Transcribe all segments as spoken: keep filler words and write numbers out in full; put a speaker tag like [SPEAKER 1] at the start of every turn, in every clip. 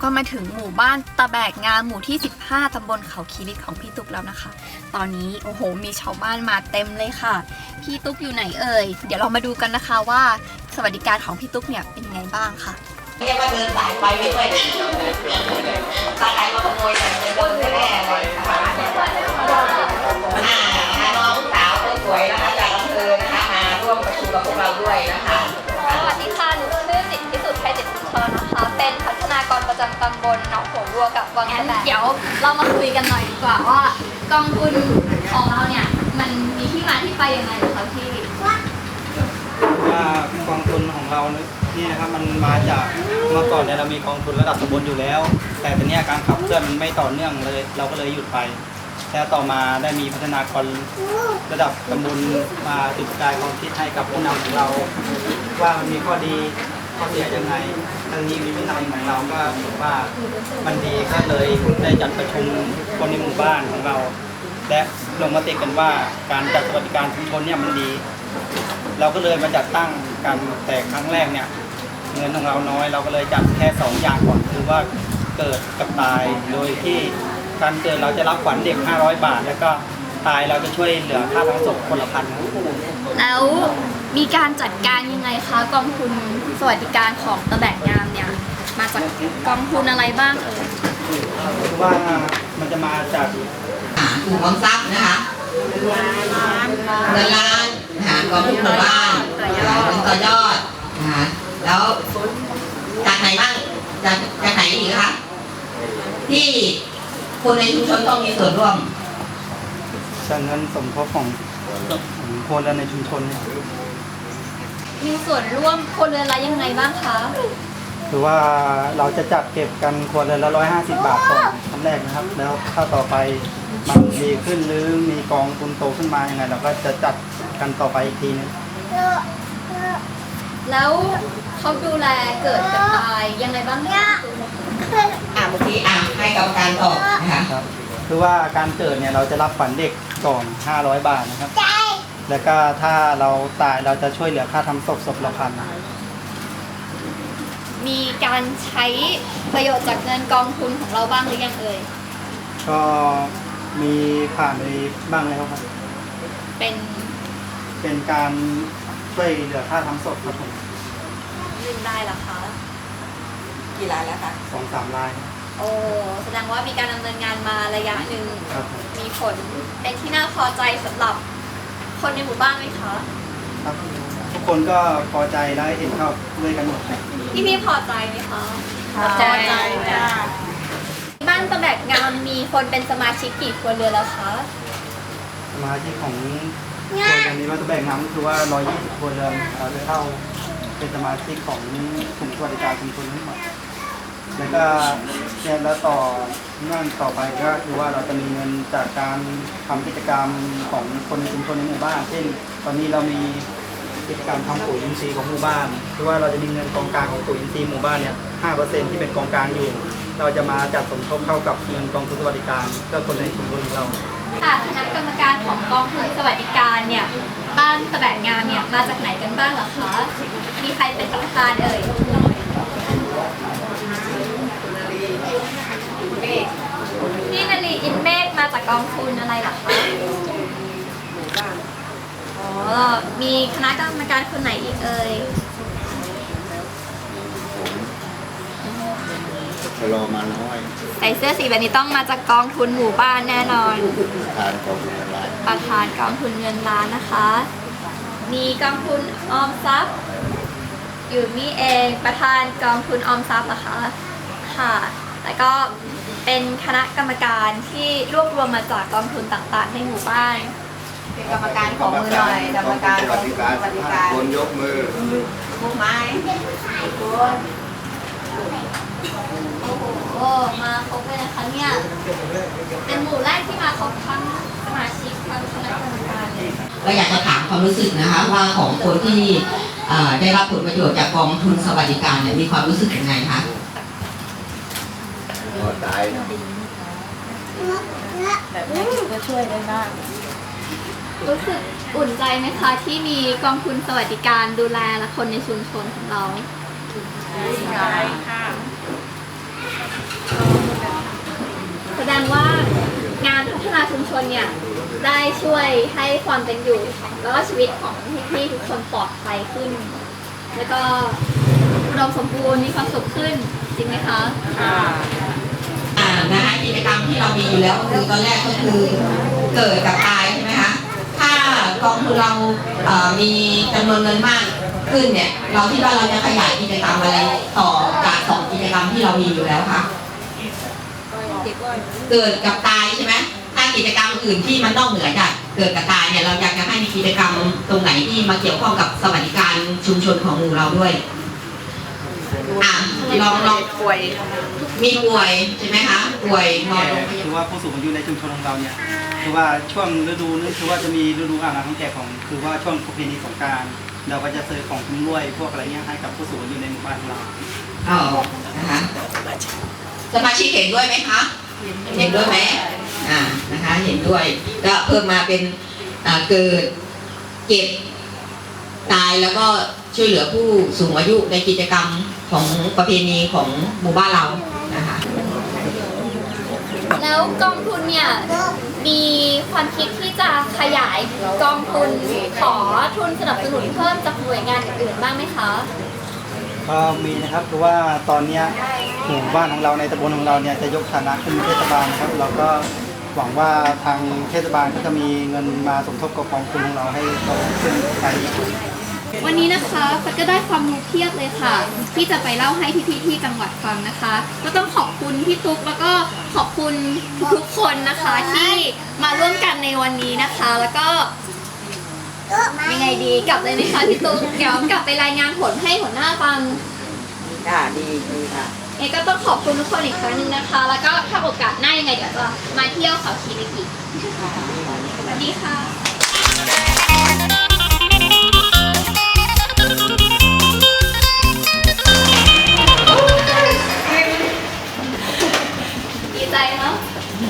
[SPEAKER 1] ก็มาถึงหมู่บ้านตะแบกงามหมู่ที่สิบห้าตำบลเขาคีริตของพี่ตุ๊กแล้วนะคะตอนนี้โอ้โหมีชาวบ้านมาเต็มเลยค่ะพี่ตุ๊กอยู่ไหนเอ่ยเดี๋ยวเรามาดูกันนะคะว่าสวัสดิการของพี่ตุ๊กเนี่ยเป็นไงบ้างค่ะ
[SPEAKER 2] เรียกว่าเดินสายไปไม่ด้วยสายไปมาขโมยแต่เดินแน่ๆเลยนะคะน้องสาวสวยนะคะจากอำเภอนะคะมาร่วมประชุมกับพวกเราด้วยนะคะ
[SPEAKER 3] สวัสดีค่ะหนูชื่อสิทธิพิสุทธิ์ไทยเจ็ดชุมชนนะคะเป็นพัฒนากรประจำตำบลหนองหัววัวกับวังตะแบกเดี๋ยวเรามาคุยกันหน่อยดีกว่าว่ากองทุนของเราเนี่ยมันมีที่มาที่ไปยังไงคะพี่
[SPEAKER 4] ว่ากองทุนของเรานี่นะครับมันมาจากเมื่อก่อนเนี่ยเรามีกองทุนระดับตำบลอยู่แล้วแต่ตอนนี้การขับเคลื่อนมันไม่ต่อเนื่องเลยเราก็เลยหยุดไปแล้วต่อมาได้มีพัฒนากรระดับตำบลมาจุดประกายความคิดให้กับผู้นำของเราว่ามันมีข้อดีข้อเสียยังไงทางนี้มีผู้นำของเราก็ถือว่ามันดีก็เลยได้จัดประชุมคนในหมู่บ้านของเราและลงมติกันว่าการจัดสวัสดิการชุมชนเนี่ยมันดีเราก็เลยมาจัดตั้งกันแต่ครั้งแรกเนี่ยเงินของเราน้อยเราก็เลยจัดแค่สองอย่างก่อนคือว่าเกิดกับตายโดยที่การเกิดเราจะรับขวัญเด็กห้าร้อยบาทแล้วก็ตายเราจะช่วยเหลือค่าทั้งศพคนละพัน
[SPEAKER 1] แล้วมีการจัดการยังไงคะกองทุนสวัสดิการของตะแบกงามเนี่ยมาจากกองทุนอะไรบ้างเอ่ย
[SPEAKER 4] คือว่ามันจะมาจาก
[SPEAKER 2] กลุ่มออมทรัพย์นะคะเงินล้านนะคะกองทุนหมู่บ้านเป็นต่อยอดนะคะแล้วจากไหนบ้างจากจากไหนอีกคะที่คนในชุมชนต้องมีส่วนร่วม
[SPEAKER 4] จากเงินสมทบของคนและในชุมชน
[SPEAKER 3] มีส่วนร่วมคนเรือนละยังไงบ้างคะ
[SPEAKER 4] คือว่าเราจะจัดเก็บกันครัวเรือนละร้อยห้าสิบบาทก่อนครั้งแรกนะครับแล้วถ้าต่อไปมันดีขึ้นหรือมีกองทุนโตขึ้นมายังไงเราก็จะจัดกันต่อไปอีกทีนึง
[SPEAKER 3] แล้วเขาดูแลเกิดกับตายยังไงบ้างเนี่ย
[SPEAKER 2] อ่าเมื่อกี้อ่าให้กรรมการตอบนะคะ
[SPEAKER 4] ครับคือว่าการเกิดเนี่ยเราจะรับขวัญเด็กก่อนห้าร้อยบาทนะครับแล้วก็ถ้าเราตายเราจะช่วยเหลือค่าทำศพศพละพัน
[SPEAKER 3] มีการใช้ประโยชน์จากเงินกองทุนของเราบ้างหรือยังเอ่ย
[SPEAKER 4] ก็มีผ่านไปบ้างแล้วครับ
[SPEAKER 3] เป็น
[SPEAKER 4] เป็นการช่วยเหลือค่าทำศพครับผม
[SPEAKER 3] ลืมได้หรอคะ
[SPEAKER 2] กี่รายแล้วคะ
[SPEAKER 4] สองสามราย
[SPEAKER 3] โอ้แสดงว่ามีการดำเนินงานมาระยะหนึ่งมีผลเป็นที่น่าพอใจสำหรับคนในหมู่บ้านไหมคะ
[SPEAKER 4] ครับทุกคนก็พอใจและเห็นชอบด้วยกันหมด
[SPEAKER 3] พี่พี่พอใจไหมคะ
[SPEAKER 2] พอใจจ้า
[SPEAKER 3] บ้านตะแบกงามมีคนเป็นสมาชิกกี่ครัวเรือนแล้วคะ
[SPEAKER 4] สมาชิกของครัวเรือนนี้ว่าตะแบกงามคือว่าร้อยยี่สิบครัวเรือนเราจะเข้าเป็นสมาชิกของกลุ่มสวัสดิการชุมชนทั้งหมดแล้วก็เนี่ยแล้วต่อเนื่องต่อไปก็คือว่าเราจะมีเงินจากการทำกิจกรรมของคนในชุมชนในหมู่บ้านเช่นตอนนี้เรามีกิจกรรมทำปุ๋ยอินทรีย์ของหมู่บ้านคือว่าเราจะมีเงินกองกลางของปุ๋ยอินทรีย์หมู่บ้านเนี่ยห้าเปอร์เซ็นต์ที่เป็นกองกลางอยู่เราจะมาจัดสมทบเข้ากับเงินกองทุนสวัสดิการเพื่อคนในชุมชนของเรา
[SPEAKER 3] ค่ะคณะกรรมการของกองทุนสวัสดิการเนี่ยบ้านตะแบกงามเนี่ยมาจากไหนกันบ้างเหรอคะมีใครเป็นประธานเอ่ยพี่นาลีอินเมฆมาจากกองทุนอะไรหรอคะอ๋อมีคณะกรรมการคนไหนอีกเอ่ย
[SPEAKER 5] รอมาน้อย
[SPEAKER 3] ใส่เสื้อสีแบบนี้ต้องมาจากกองทุนหมู่บ้านแน่นอน
[SPEAKER 5] ประธานกองทุนเงินล้าน
[SPEAKER 3] ประธานกองทุนเงินล้านนะคะมีกองทุนออมทรัพย์อยู่นี่เองประธานกองทุนออมทรัพย์นะคะค่ะแล้วก็เป็นคณะกรรมการที่รวบรวมมาจากกองทุนต่างๆในหมู่บ้าน
[SPEAKER 2] เป็นกรรมการของมือหน่อยกรรมการของสวัสดิการ
[SPEAKER 5] คนยกมือ
[SPEAKER 2] มือไม้
[SPEAKER 3] คนโอ้โหมาครบเลยนะคะเนี่ยเป็นหมู่แรกที่มาครบทั้งสมาชิกทั้งคณะกรรมการเลย
[SPEAKER 2] ก็อยากจะถามความรู้สึกนะคะว่าของคนที่ได้รับผลประโยชน์จากกองทุนสวัสดิการเนี่ยมีความรู้สึกยังไงคะ
[SPEAKER 5] พอใจ
[SPEAKER 3] แบบนี้ก็ช่วยได้บ้างรู้สึกอุ่นใจไหมคะที่มีกองทุนสวัสดิการดูแลและคนในชุมชนของเรา
[SPEAKER 2] อุ่นใจค่ะ
[SPEAKER 3] แสดงว่างานพัฒนาชุมชนเนี่ยได้ช่วยให้ความเป็นอยู่แล้วก็ชีวิตของพี่ๆทุกคนปลอดภัยขึ้น แล้วก็อุดมสมบูรณ์มีความสุขขึ้นจริงไหมคะ
[SPEAKER 2] อ่านะคะกิจกรรมที่เรามีอยู่แล้วก็คือตอนแรกก็คือเกิดกับตายใช่ไหมคะถ้ากองทุนเราเอ่อมีจำนวนเงินมากขึ้นเนี่ยเราคิดว่าเราจะขยายกิจกรรมอะไรต่อจากสองกิจกรรมที่เรามีอยู่แล้วค่ะเกิดกับตายใช่ไหมถ้ากิจกรรมอื่นที่มันนอกเหนือจากเกิดกับตายเนี่ยเราอยากจะให้มีกิจกรรมตรงไหนที่มาเกี่ยวข้องกับสวัสดิการชุมชนของหมู่เราด้วยอ่ะลองลองป่วยมีป่วยใช่ไหมคะป่วยนอนโรงพยาบาล
[SPEAKER 4] คือว่าผู้สูงอายุในชุมชนของเราเนี่ยคือว่าช่วงฤดูนี้คือว่าจะมีฤดูอาบน้ำของแขกของคือว่าช่วงประเพณีสงกรานต์เราก็จะซื้อของคุ้มรวยพวกอะไรเงี้ยให้กับผู้สูงอายุในหมู่บ้านของเรา
[SPEAKER 2] อ๋อนะคะสมาชิกเห็นด้วยไหมคะเห็นด้วยไหมอ่านะคะเห็นด้วยก็เพิ่มมาเป็นอ่าเกิดเจ็บตายแล้วก็ช่วยเหลือผู้สูงอายุในกิจกรรมของประเพณีของหมู่บ้านเรานะคะ
[SPEAKER 3] แล้วกองทุนเนี่ยมีความคิดที่จะขยายกองทุนขอทุนสนับสนุนเพิ่มจากหน่วยงานอื่นๆบ้างไหมคะ
[SPEAKER 4] ก็มีนะครับคือว่าตอนเนี้ยหมู่บ้านของเราในตำบลของเราเนี่ยจะยกฐานะขึ้นเป็นเทศบาลนะครับเราก็หวังว่าทางเทศบาลก็จะมีเงินมาสมทบกับกองทุนของเราให้โตขึ้นไป
[SPEAKER 3] วันนี้นะคะฟัดก็ได้ความรู้เพียบเลยค่ะ ที่จะไปเล่าให้พี่ๆที่จังหวัดฟังนะคะ ก็ต้องขอบคุณพี่ตุ๊กแล้วก็ขอบคุณทุกคนนะคะที่มาร่วมกันในวันนี้นะคะ แล้วก็ยังไงดีกลับเลยไหมคะพี่ตุ๊กเดี๋ยวกลับไปรายงานผลให้หัวหน้าฟัง
[SPEAKER 2] ค่ะดีดีค่ะ
[SPEAKER 3] เอก็ต้องขอบคุณทุกคนอีกครั้งหนึ่งนะคะ แล้วก็ถ้าโอกาสหน้ายังไงเดี๋ยวจะมาเที่ยวเขาคีรีอีกสวัสดีค่ะดีใจเนาะ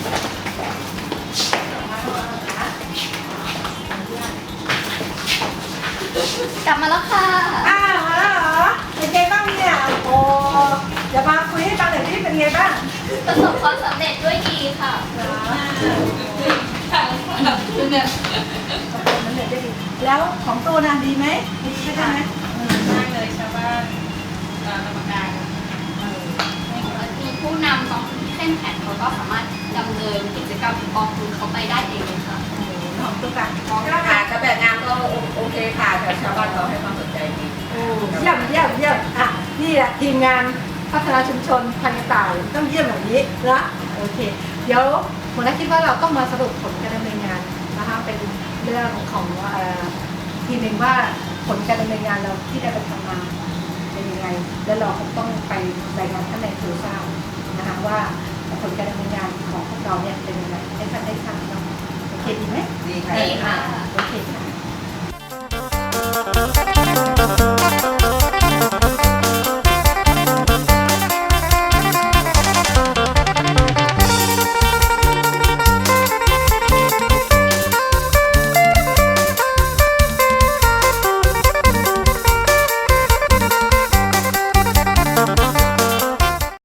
[SPEAKER 3] กลับมาแล้วค่ะ
[SPEAKER 6] อ้าวมาแล้วเหรอเป็นไงบ้างเนี่ยโอ้เดี๋ยวมาคุยให้ฟังหน่อยที่เป็นไงบ้าง
[SPEAKER 3] ประสบความสำเร็จด้วยดีค่ะ
[SPEAKER 6] แล้วของตัวน่ะดีไหมดีใช่ไหม
[SPEAKER 3] มีผู้นำกองทุนที่เข้มแข็งเขาก็สามารถดำเนินกิจกรรมกองทุนเขาไปได้เองเลยค่ะ
[SPEAKER 6] ของตัวกัน
[SPEAKER 2] ค่ะกระแบบงานก็โอเคค่ะแต่ชาวบ้านเขาให้ความสนใจดี
[SPEAKER 6] เยี่ยมเยี่ยมเยี่ยมอ่ะนี่แหละทีมงานพัฒนาชุมชนพันกระต่ายต้องเยี่ยมแบบนี้นะโอเค เดี๋ยวผมคิดว่าเราต้องมาสรุปผลการดำเนินงานนะคะเป็นเรื่องของเอ่อทีหนึ่งว่าผลการดำเนินงานเราที่ได้ไปทำมาเป็นยังไงแล้วเราคงต้องไปรายงานท่านในครูทราบนะคะว่าผลการดำเนินงานของพวกเราเนี่ยเป็นยังไงให้ท่านได้ทราบเนาะโอเคดีไหม
[SPEAKER 2] ดีค่ะ
[SPEAKER 3] ดีค่ะ
[SPEAKER 6] โอเคค่ะ